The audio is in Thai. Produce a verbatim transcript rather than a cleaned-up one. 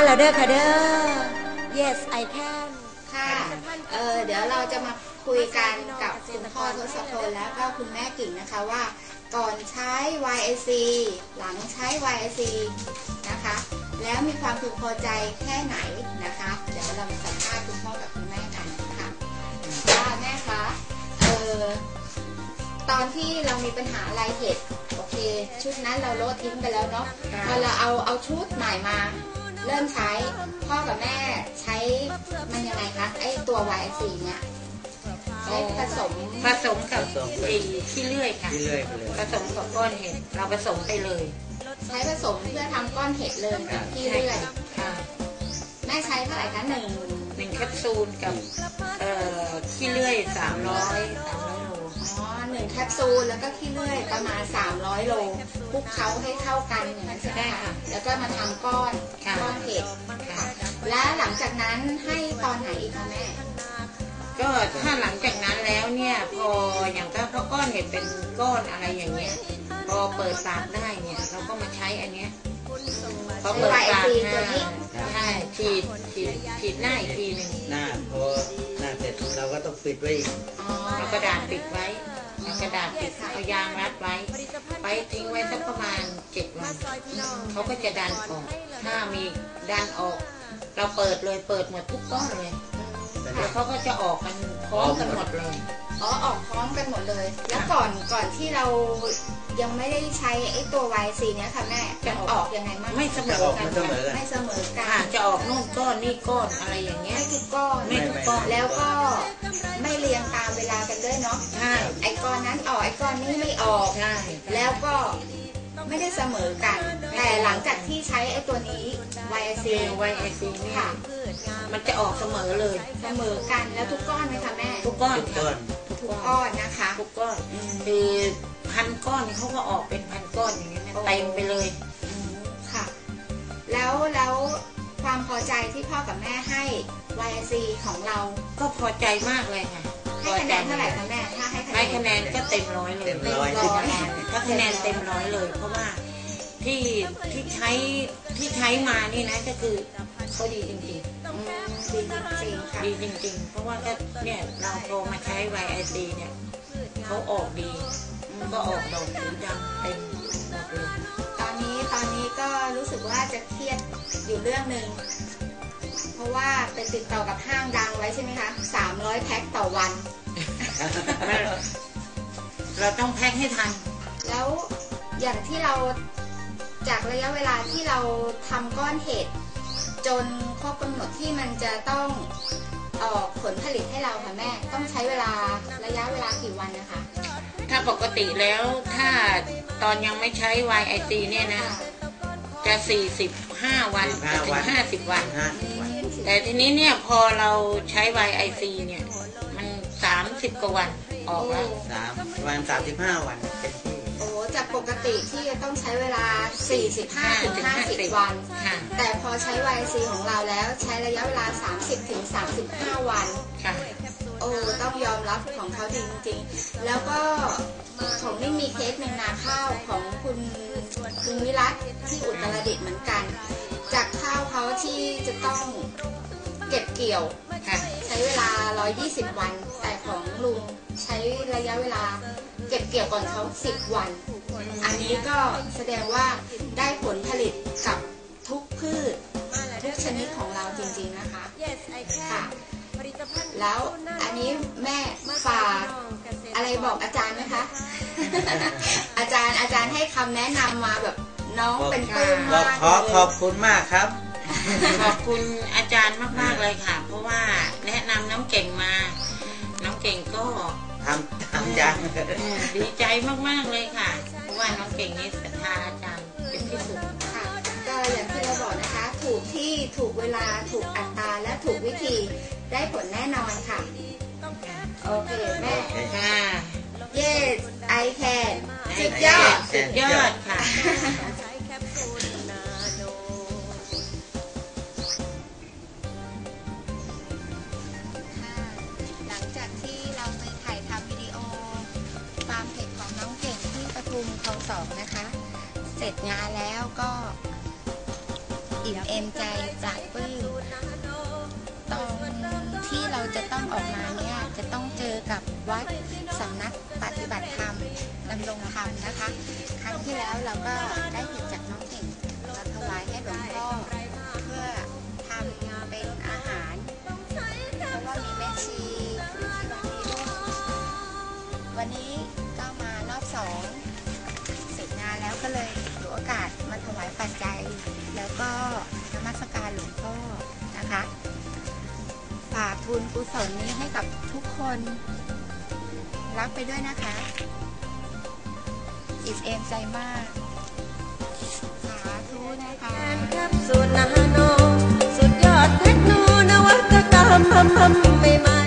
แล้วเด้อค่ะเด้อ yes I can ค่ะเออเดี๋ยวเราจะมาคุยกันกับคุณพ่อทศพลแล้วก็คุณแม่กิ่งนะคะว่าก่อนใช้ วาย ไอ ซี หลังใช้ วาย ไอ ซี นะคะแล้วมีความพึงพอใจแค่ไหนนะคะเดี๋ยวเรามาสัมภาษณ์คุณพ่อกับคุณแม่กันค่ะว่าแม่คะเออตอนที่เรามีปัญหาลายเห็ดโอเคชุดนั้นเราโลดทิ้งไปแล้วเนาะพอเราเอาเอาชุดใหม่มาเริ่มใช้พ่อกับแม่ใช้มันยังไงคะไอตัว วาย ไอ ซี เนี่ยใช้ผสมผสมกับไอ้ขี้เลื่อยค่ะผสมกับก้อนเห็ดเราผสมไปเลยใช้ผสมเพื่อทำก้อนเห็ดเลยกับขี้เลื่อยค่ะแม่ใช้เท่าไหร่คะหนึ่งหนึ่งแคปซูลกับเอ่อขี้เลื่อยสามร้อยสามร้อยโลอ๋อหนึ่งแคปซูลแล้วก็ขี้เลื่อยประมาณสามร้อยโลคลุกเคล้าให้เข้ากันอย่างนั้นใช่ไหมคะแล้วก็มาทำก้อนก้อนเห็ดค่ะและหลังจากนั้นให้ตอนไหนอีกคะแม่ก็ถ้าหลังจากนั้นแล้วเนี่ยพออย่างก็เขาก้อนเห็ดเป็นก้อนอะไรอย่างเงี้ยพอเปิดปากได้เนี่ยเราก็มาใช้อันเนี้ยพอเปิดปากได้ใช่ฉีดฉีดฉีดหน้าอีกทีหนึ่งหน้าพอหน้าเสร็จเราก็ต้องปิดไว้เอากระดาษปิดไว้กระดาษปิดเอายางรัดไว้ไปทิ้งไว้สักประมาณเจ็ดวันเขาก็จะดันออกถ้ามีดันออกเราเปิดเลยเปิดหมดทุกก้อนเลยแล้วเขาก็จะออกกันพร้อมกันหมดเลยอ๋อออกพร้อมกันหมดเลยแล้วก่อนก่อนที่เรายังไม่ได้ใช้ไอ้ตัว วาย ซี เนี้ยค่ะแม่จะออกยังไงมั่งไม่เสมอกันไม่เสมอกันจะออกนู่นก้อนนี่ก้อนอะไรอย่างเงี้ยไม่ทุกก้อนไม่ทุกก้อนแล้วก็ไม่เรียงตามเวลากันด้วยเนาะใช่ไอ้ก้อนนั้นออกไอ้ก้อนนี้ไม่ออกใช่แล้วก็ไม่ได้เสมอกันแต่หลังจากที่ใช้ไอ้ตัวนี้ วาย ไอ ซีวาย ไอ ซีเนี่ยมันจะออกเสมอเลยเสมอกันแล้วทุกก้อนไหมคะแม่ทุกก้อนทุกก้อนทุกก้อนนะคะทุกก้อนคือพันก้อนเขาก็ออกเป็นพันก้อนอย่างเงี้ยเต็มไปเลยค่ะแล้วแล้วความพอใจที่พ่อกับแม่ให้ วาย ไอ ซี ของเราก็พอใจมากเลยค่ะให้คะแนนเท่าไหร่คะแม่ถ้าให้คะแนนก็เต็มร้อยเลยเต็มร้อยถ้าคะแนนเต็มร้อยเลยเพราะว่าที่ที่ใช้ที่ใช้มานี่นะก็คือเขาดีจริงๆดีจริงๆค่ะดีจริงๆเพราะว่าก็เนี่ยเราโทรมาใช้ วาย ไอ ซี เนี่ยเขาออกดีก็ออกดอกสีดำเต็มหมดเลยตอนนี้ตอนนี้ก็รู้สึกว่าจะเครียดอยู่เรื่องหนึ่งเพราะว่าไปติดต่อกับห้างดังไว้ใช่ไหมคะสามร้อยแพ็คต่อวันเราต้องแพ็คให้ทันแล้วอย่างที่เราจากระยะเวลาที่เราทำก้อนเห็ดจนครบกำหนดที่มันจะต้องออกผลผลิตให้เราค่ะแม่ต้องใช้เวลาระยะเวลากี่วันนะคะถ้าปกติแล้วถ้าตอนยังไม่ใช้ วาย ไอ ซี เนี่ยนะจะสี่สิบห้าวันถึงห้าสิบวันแต่ทีนี้เนี่ยพอเราใช้ วาย ไอ ซี เนี่ยมันสามสิบกว่าวันออกแล้วสามวันสามสิบห้าวันเป็นที่โอ้จากปกติที่จะต้องใช้เวลาสี่สิบห้าถึงห้าสิบวันแต่พอใช้ วาย ไอ ซี ของเราแล้วใช้ระยะเวลาสามสิบถึงสามสิบห้าวันโอ้ต้องยอมรับของเขาจริงๆแล้วก็ผมไม่มีเคสหนึ่งนาข้าวของคุณคุณวิรัตที่อุตรดิตถ์เหมือนกันจากข้าวเขาที่จะต้องเก็บเกี่ยวใช้เวลาหนึ่งร้อยยี่สิบวันแต่ของลุงใช้ระยะเวลาเก็บเกี่ยวก่อนเขาสิบวันอันนี้ก็แสดงว่าได้ผลผลิตกับทุกพืชทุกชนิดของเราจริงๆนะคะค่ะแล้วอันนี้แม่ฝากอะไรบอกอาจารย์ไหมคะ อาจารย์อาจารย์ให้คำแนะนำมาแบบน้องเป็นปลื้มมากขอขอบคุณมากครับขอบคุณอาจารย์มากๆเลยค่ะเพราะว่าแนะนำน้องเก่งมาน้องเก่งก็ทำทำยังดีใจมากๆเลยค่ะเพราะว่าน้องเก่งนี่ศรัทธาอาจารย์เป็นที่สุดค่ะก็อย่างที่เราบอกนะคะถูกที่ถูกเวลาถูกอัตราและถูกวิธีได้ผลแน่นอนค่ะโอเคแม่ค่ะ yes I can สุดยอดสุดยอดค่ะหลังจากที่เราไปถ่ายทำวิดีโอฟาร์มเห็ดของน้องเก่งที่ปทุมคลองสองนะคะเสร็จงานแล้วก็อิ่มเอมใจปราบปลื้มตอนที่เราจะต้องออกมาเนี่ยจะต้องเจอกับวัดสำนักปฏิบัติธรรมดำรงธรรมนะคะครั้งที่แล้วเราก็ได้เห็นจากน้องเก่งมาถวายให้หลวงพ่อเพื่อทำเป็นอาหารเพราะว่ามีแม่ชีอยู่ที่วัดนี้ด้วยวันนี้ก็มารอบสองเสร็จงานแล้วก็เลยถือโอกาสมาถวายปัจจัยแล้วก็นมัสการหลวงพ่อนะคะฝากบุญกุศลนี้ให้กับทุกคนรับไปด้วยนะคะอิ่มเอมใจมากสาธุนะคะแคปซูลนาโนสุดยอดเทคโนนวัตกรรมใหม่